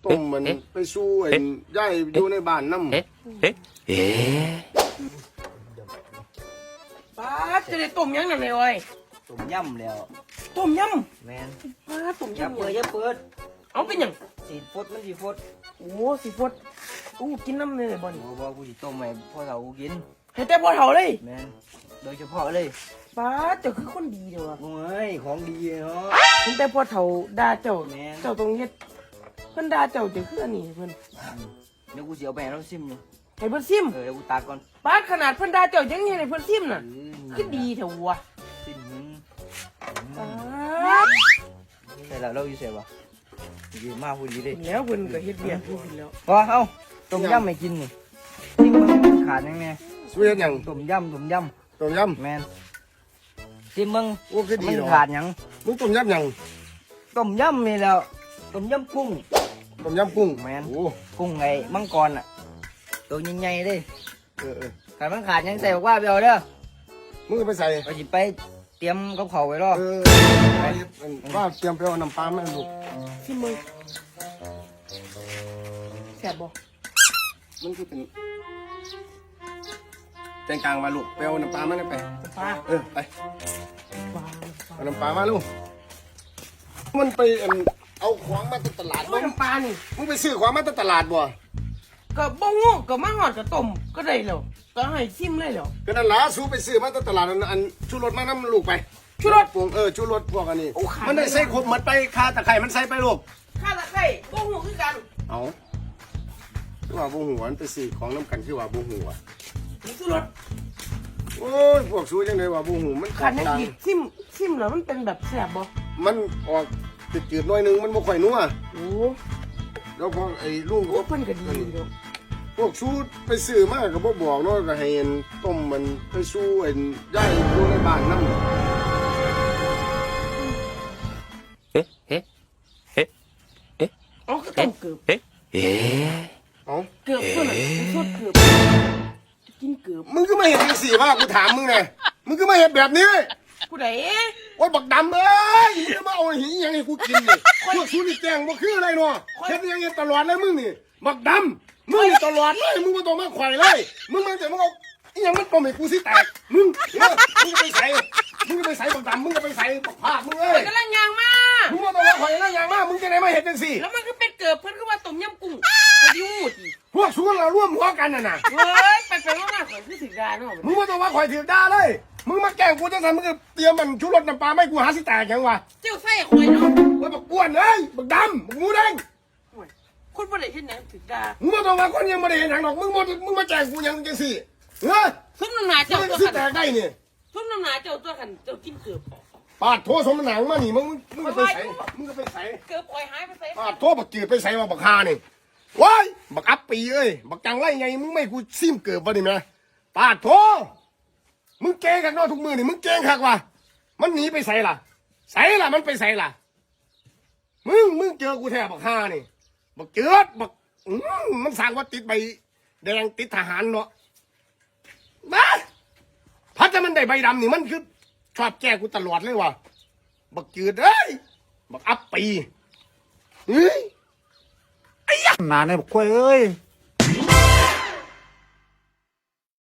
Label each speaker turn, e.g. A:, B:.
A: ต้มมันไปสู้ไอ้ย่ายอยู่ในบ้านน้ำ
B: ป้าจะได้ต้มยังนั่นเลยเว้ย
C: ต้มยำแล้ว
B: ต้มย
C: แมน
B: ำป้าต้ม
C: อย่าย
B: ำ
C: เปิดอย่าเปิด
B: เอาเป็นยัง
C: สีฟดมันสีฟด
B: โอ้สิฟดอู้กินน้ำเลยบ่น
C: บอกกูสิต้มให้พ่อเรากิน
B: ให้แต่พอเท่าเลย
C: แมนโดยเฉพาะเลย
B: ป้าเจ้าคือคนดีเด้อวะ
C: โอ้ยของดีเนาะ
B: เห็นแต่พอเท่าด่าเจ้า
C: แม่น
B: เจ้าต้องเฮ็ดเพิ่นด่าเจ้าจะคืออันนี้เพิ่น
C: เดี๋ยวกูเสียวไปให้เราซิมอยู่
B: ให้เพิ่นซิม
C: เดี๋ยวกูตักก่อน
B: ป้าขนาดเพิ่นด่าเจ้ายังเฮ็ดให้เพิ่นซิมน่ะคือดีเถอะวะ
C: ซิมมึง
B: ป้า
C: ใส่แล้วเราอยู่ใส่ปะดีมากพูดดีเลย
B: แล้วเพิ่นก็เฮ็ดเวียกอยู่แล้ว
C: พอเอาต้มยำไม่กินนี่ซิมมึงขาดยังไง
A: สู้เฮ็ดหยัง
C: ต้มยำ
A: ต้มย
C: แมนซิมมึง
A: ำโอ้คือดี
C: มัน
A: เนาะ
C: ขาดยัง
A: มึงต้มยำหยัง
C: ต้มยำนี่แล้วต้มยำกุ้ง
A: ต้มยำกุ้ง
C: แม่น
A: โอ้
C: กุ้งไงมังกรอ่ะตัวใหญ่ๆเลย
A: เออ
C: ขาดมันขาดยังใส่บอกว่าไปเอาเด้อ
A: มึงก็ไปใส่
C: เราจะไปเตรียมกับเขาวไว้รอ
A: ว่าเตรียมไปเอาน้ำปลามาให้ลูก
B: ซิมมึงแซ่บบ่
A: มันคือเป็นแกงกลางมาลูกไปเอาน้ำปลามาได้ไป
B: ป้า
A: ไป
B: ว้าว
A: เอาน้ำปลามาลูกมันไปเอาของมาจากตลาด
B: โอ้ยน้ำปลานี่
A: มึงไปซื้อของมาจากตลาดบ่
B: ก็บ่งูก็มาหอดก็ต้มก็ได้แล้วก็ให้ซิมเลยแล้ว
A: ก็นั่นล่ะสู้ไปซื้อมาจากตลาดอันชูรสมาน้ำลูกไป
B: ชูรส
A: พวกชูรสพวกอันนี้
B: โอ้ขาด
A: มันได้ใส่ครบหมดไปคาตะไคร้มันใส่ไปลูก
B: ข้าตะไคร้บ่งูคือกัน
A: เอาคือว่าบูหัวมันไปซื้อของน้ำกันคือว่าบูหัว
B: นี่ชูรส
A: โอ้ยพวกสู้จังเลยว่าบูหูมัน
B: ขาดในกิดซิมแล้วมันเป็นแบบแซ่บบ่
A: มันออกจืดๆหน่อยนึงมันบ่ค่อยนัว
B: โอ้
A: แล้วพอไอ้ลุง
B: โหเพิ่นก็ดีเด้อ
A: พวกสู้ไปซื้อมาก็บ่บอกเนาะก็ให้ต้มมันไปสู้ย่ายอยู่ในบ้านนำ
B: อ๋อก็ต้มเกือบ
A: เอ้า
B: เกือบเพิ่นน่ะสดเกือบกินเกือบ
A: มึงก็มาเฮ็ดจังซี่ว่ากูถามมึงไงมึงก็มาเฮ็ดแบบนี้
B: ผู้ใด
A: โอ้ยบักดำเอ้ยมึงจะมาเอาหิหยังให้กูกินนี่พวกสู้นี่แกล้งบ่คืออะไรเนาะเฮ็ดอยังเงี้ยตลอดเลยมึงนี่บักดำมึงนี่ตลอดเลยมึงบ่ต้องมาไขว่เลยมึงมาแต่มึงเอาอีหยังมันต้มให้กูสิแตกมึงมึงก็ไปใส่บักดำมึงก็ไปใส่บักภาคมึงเอ้ย
B: กำลังย่างมา
A: มึงบ่ต้องมาไขว่แล้วอย่างมากมึงจะได้มาเฮ็ดจังซี่
B: แล้วมันก็เป็นเกือบเพิ่นก็ว่าต้มยำกุ้งก็ดิวูดอี
A: พวกสู้เราร่วมหัวกันน่ะ
B: เฮ้ยไปๆมาๆข่อยคือสิดาเนาะ
A: มึงบ่ต้องมาไขว่ถือด่าเลยมึงมาแกล้งกูจังซั่นมึงก็เตรียมมันชูรสน้ำปลาไม่กูหาสิแตกหยังวะ
B: เจ้าใส่ข่อยเนาะ
A: โอ้ยบักกวนเอ้ยบักดำบักหมูแดง
B: โอ้ยคนบ่ได้เฮ็ดหยังสิดา
A: มึงมาต้องมาคนยังไม่ได้เห็นหนังหรอกมึงมาแจ้งกูยังจังสิเฮ้ย
B: ซุ่มน้ำหนา
A: มึ
B: เจ้าง ตัว
A: สิ
B: ขัน
A: แตกได้เนี่ย
B: ซุ่มน้ำหนาเจ้าตัวขันเจ้ากินเกือบ
A: ปาดโทสมหนังมานี่มึงก็ไปใส่มึงก็ไปใส่
B: เกือบข่อยหายไปใส่
A: ปาดโทบักจืดไปใส่มาบักฮานี่ว้ายบักอัปปีเอ้ยบักจังไรไงมึงไม่กูซิมเกิดวะนี่แม่ปาดโทมึงเก่งขักเนอทุกมือนี่มึงเก่งขักวะมันหนีไปใส่ล่ะมันไปใส่ล่ะมึงเจอกูแท้บักฮานี่บักเจือดบักมันสั่งว่าติดใบแดงติดทหารเนาะบ้าพัดจะมันได้ใบดำนี่มันคือชอบแก้กูตลอดเลยว่ะบักจืดเอ้ยบักอัปปีเฮ้ย
D: นานเลยบอกกล้วยเอ้ย